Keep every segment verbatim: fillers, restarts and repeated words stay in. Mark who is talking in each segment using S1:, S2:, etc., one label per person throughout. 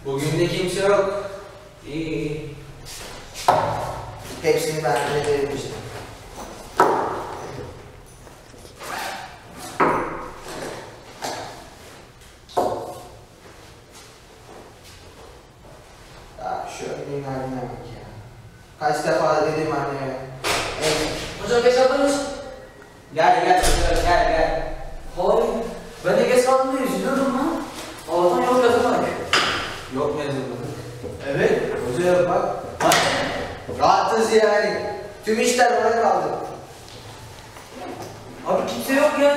S1: Bugün de kimse yok. İyi iyi. Hepsini ben öderim işte. Ya şu önlüğün haline bak ya. Kaç defa dedim anneme. Evet.
S2: Hocam geç kaldınız.
S1: Gel gel gel gel gel.
S2: Hayır. Ben de geç kaldım diye üzülüyorum lan. Allah'tan yok yazamadık.
S1: Yok mu yazılmadık? Evet. Hoca yok bak. Bak. Rahatız yani. Tüm işler bana kaldı.
S2: Abi kimse yok ya.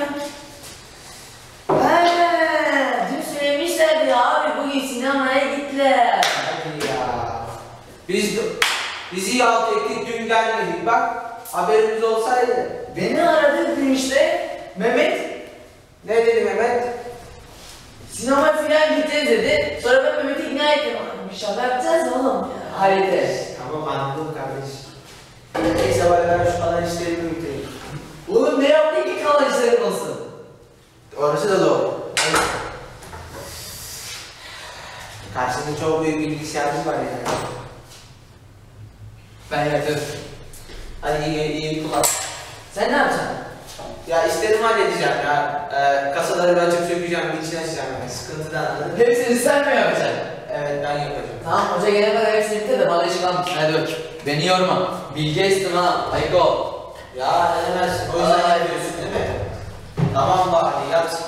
S2: Heee. Dün söylemişlerdi ya abi bugün sinemaya gittiler.
S1: Hadi ya. Biz bizi yalt ettik dün gelmedik bak. Haberimiz olsaydı.
S2: Beni aradı dün işte. Mehmet.
S1: Ne dedi Mehmet?
S2: Sinemaya filan gideceğiz dedi. Sonra ben Mehmet'i ikna ettim. Bir şaka yapacağız oğlum ya. Hallederiz.
S1: Tamam anladım kardeşim. Neyse bari ben şu kalan işlerimi bitireyim.
S2: Oğlum ne yaptın ki kalan işlerin olsun?
S1: Orası da doğru. Karşında çok büyük bilgisayarımız var yani.
S2: Ben yatıyorum.
S1: Hadi iyi, iyi kullan.
S2: Sen ne yapacaksın?
S1: Ya işlerimi halledeceğim ya. Ee, kasaları ben açıp sökeceğim, bir içine açacağım yani. Sıkıntıdan anladın mı?
S2: Hepsini sen mi yapacaksın?
S1: Evet ben yapacağım.
S2: Tamam hoca gelene kadar hepsini bitir de bana işi kalmış. Hadi bak. Beni yorma. Bilge istim ha. Ayık ol.
S1: Ya ne demezsin, o yüzden
S2: Ay.
S1: yapıyorsun değil mi? Tamam bari yat.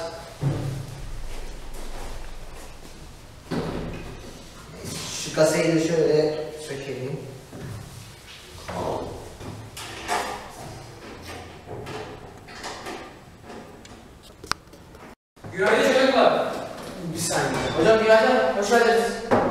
S1: Şu kasayı da şöyle sökelim.
S3: Günaydın çocuklar.
S1: Bir saniye.
S2: Hocam günaydın. Hoş geldiniz.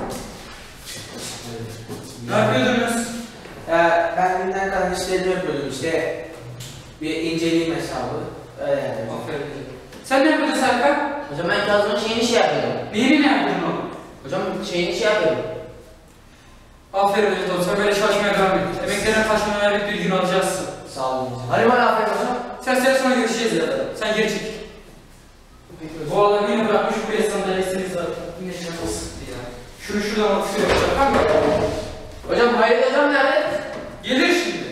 S3: Ne yapıyordunuz?
S1: Ee, ben günden kalan işlerimi yapıyordum işte. Bir inceleyeyim hesabı. Öyle yani.
S3: Aferin. Sen ne yapıyordun Serkan?
S2: Hocam ben Kazım'ın şeyini şey yapıyordum.
S3: Neyini ne yapıyordun oğlum?
S2: Hocam şeyini şey yapıyordum.
S3: Aferin Mecit sen böyle çalışmaya devam et. Emeklerine karşılığını verip bir gün alacaksın.
S1: Sağ olun.
S2: Hadi bana aferin hocam.
S3: Sen sen sonra görüşeceğiz ya. Sen geri çek. Bu adam yine bırakmış buraya sandalyesini zaten. Yine canı sıktı ya. Şunu şuradan atıyor. Serkan mı?
S2: Hocam Hayret hocam nerede?
S3: Gelir şimdi.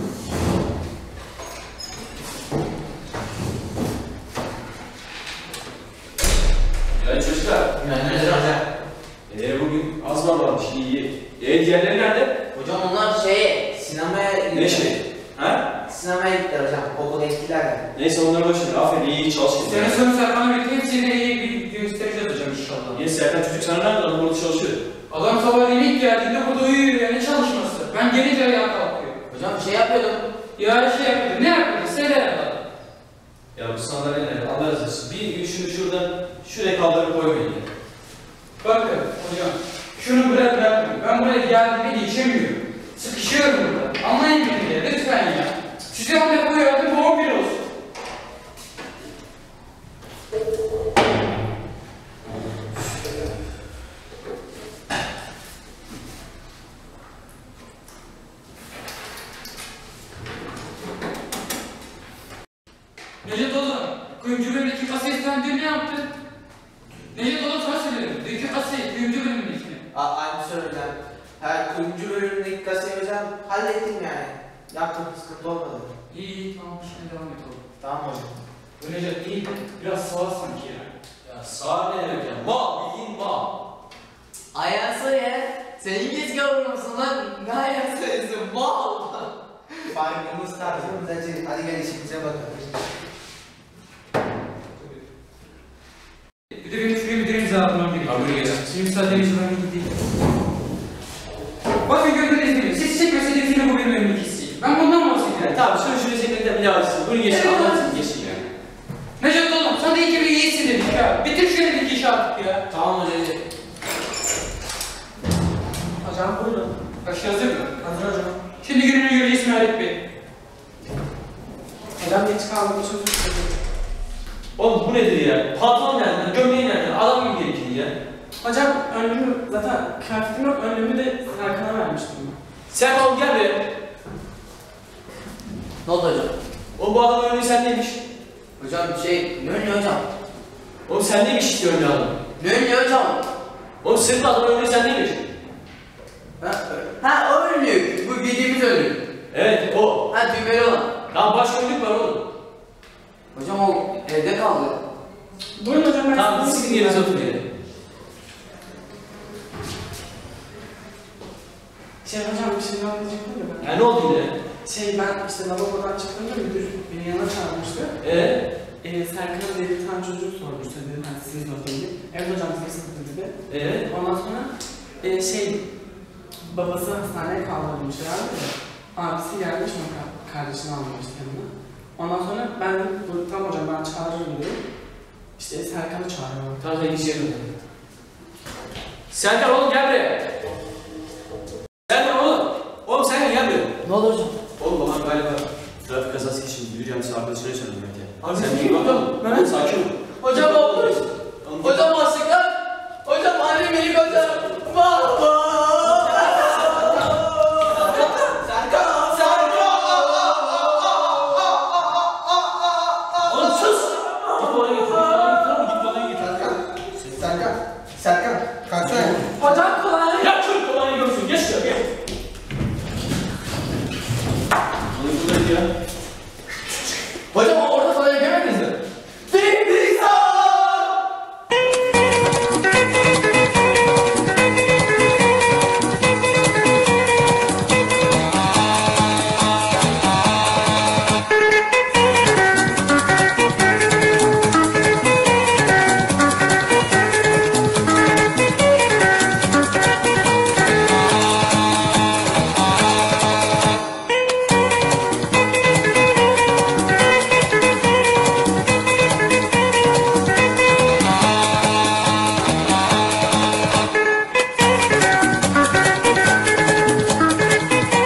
S4: Ya çocuklar,
S2: Günaydın hocam.
S4: ee, bugün az var varmış, iyi. E diğerleri nerede?
S2: Hocam onlar şey...
S1: Sinemaya gittiler.
S4: Ne şey? Ha?
S1: Sinemaya gittiler hocam. Okula gittiler de.
S4: Neyse onları boş ver, aferin iyi iyi çalış.
S3: Senin sonra Serkan'la birlikte hepsini iyi bir göstereceğiz hocam inşallah.
S4: Niye Serkan çocuk sana nerede? Adam burada çalışıyor.
S3: Adam sabahleyin ilk geldiğinde burada uyuyor ya, ne çalışması? Ben gelince ayağa kalkıyor.
S2: Hocam şey yapıyordum.
S3: Ya şey yapıyordu, ne yapıyordu? Söyle ya.
S4: Ya bu sandalye nerede? Allah razı olsun. Bir gün şunu şuradan, şuraya kaldırıp koymayın ya.
S3: Bakın hocam, şunu buraya bırakmayın. Ben buraya geldiğimde geçemiyorum. Sıkışıyorum burada. Anlayın beni ya, lütfen ya. Size hamle koyardım, doğum bir olsun. Necdet oğlum, kuyumcu bölümündeki kasayı sen dün ne yaptın? Necdet oğlum sana söylüyorum. Dünkü kasayı, kuyumcu bölümündekini.
S1: Aa, aynı soru hocam. Her kuyumcu bölümündeki kasayı hocam hallettim yani. Yaptım, sıkıntı olmadı.
S3: İyi iyi, tamam şimdi devam et oğlum.
S1: Tamam hocam.
S3: Bu Necdet iyi, biraz sağ sanki ya.
S4: Ya sağ ne demek ya? Mal, bildiğin mal.
S2: Ayağın ya. Sen İngiliz gavuru musun lan? Ne ayağın sayısı? Mal!
S1: Farkımız tarzımız acı. Hadi gel işimize bakalım.
S3: Bir de benim şuraya bir deniz almam gerekiyor.
S4: Abi buraya gel.
S3: Şimdi müsaadenizle ben gideyim. Bakın gördüğünüz gibi, siz çekmeseniz yine bu benim önümdeki hissiyim. Ben bundan bahsediyorum.
S4: Ya tamam şunu şuraya çekmekten bir daha açsın. Bunu geçin,
S3: Evet,
S4: anlatın geçin ya.
S3: Necdet oğlum, sana da iyi ki bir iyisin dedik ya. Bitir şu elindeki işi artık ya.
S1: Tamam hocam.
S2: Hocam buyurun.
S3: Başı hazır mı?
S2: Hazır hocam.
S3: Şimdi gününü göreceğiz Mehmet Bey.
S2: Hocam geç kaldım. Çok üzüldüm.
S4: Oğlum bu nedir ya? Pantolon nereden? Gömleği nereden? Adam gibi gerekir ya.
S5: Hocam önlüğümü zaten kıyafetim yok, önlüğümü de Serkan'a vermiştim ben.
S4: Sen oğlum gel buraya.
S2: Ne oldu hocam?
S4: Oğlum bu adamın önlüğü sendeymiş.
S2: Hocam şey, ne önlüyor hocam?
S4: Oğlum sendeymiş işte önlüğü adam.
S2: Ne önlüyor hocam?
S4: Oğlum sırtla adam öldü sen değil mi?
S1: Ha, ha o önlük. Bu bildiğimiz önlük.
S4: Evet o.
S1: Ha düğmeli olan.
S4: Tamam başka önlük var oğlum.
S1: Hocam o evde kaldı.
S5: Buyurun hocam ben
S4: Tamam
S5: size-
S4: sizin yerinize oturun yere.
S5: Şey hocam bir şey anlayacaktım da ben.
S4: Ya ne oldu yine?
S5: Şey ben işte lavabodan çıkınca müdür beni yanına çağırmıştı.
S4: Eee?
S5: Ee, Serkan diye bir tane çocuğu sormuştu dedi. Hani sizin sınıftaydı. Evet hocam sizin sınıfta dedi.
S4: Eee?
S5: Ondan sonra e, şey babası hastaneye kaldırılmış herhalde de. Abisi gelmiş mi kardeşini almış yanına. Ondan sonra ben de bu tamam hocam ben çağırırım dedim. İşte Serkan'ı çağırıyorum.
S4: Tamam sen git yerine. Serkan oğlum gel buraya. Serkan oğlum. Oğlum Serkan gel buraya.
S2: Ne oldu hocam?
S4: Oğlum babam galiba trafik kazası geçirdi. Müdür yardımcısı arkadaşına çağırdı belki.
S3: Abi
S4: Sen
S3: kim
S4: bir bakalım.
S3: Ben-
S4: Sakin ol.
S2: Hocam ne olmuş? Hocam hastalıklar. Hocam annem beni gönder. Baba.
S1: Serkan! Serkan!
S4: Oğlum sus. Git bana getir. Git bana getir.
S1: Serkan! Serkan! Serkan! Kalksana.
S2: Hocam kolay.
S4: Ya çocuk kolayı görsün. Geç şuraya gel. Oğlum buradaydı ya.
S1: Hocam o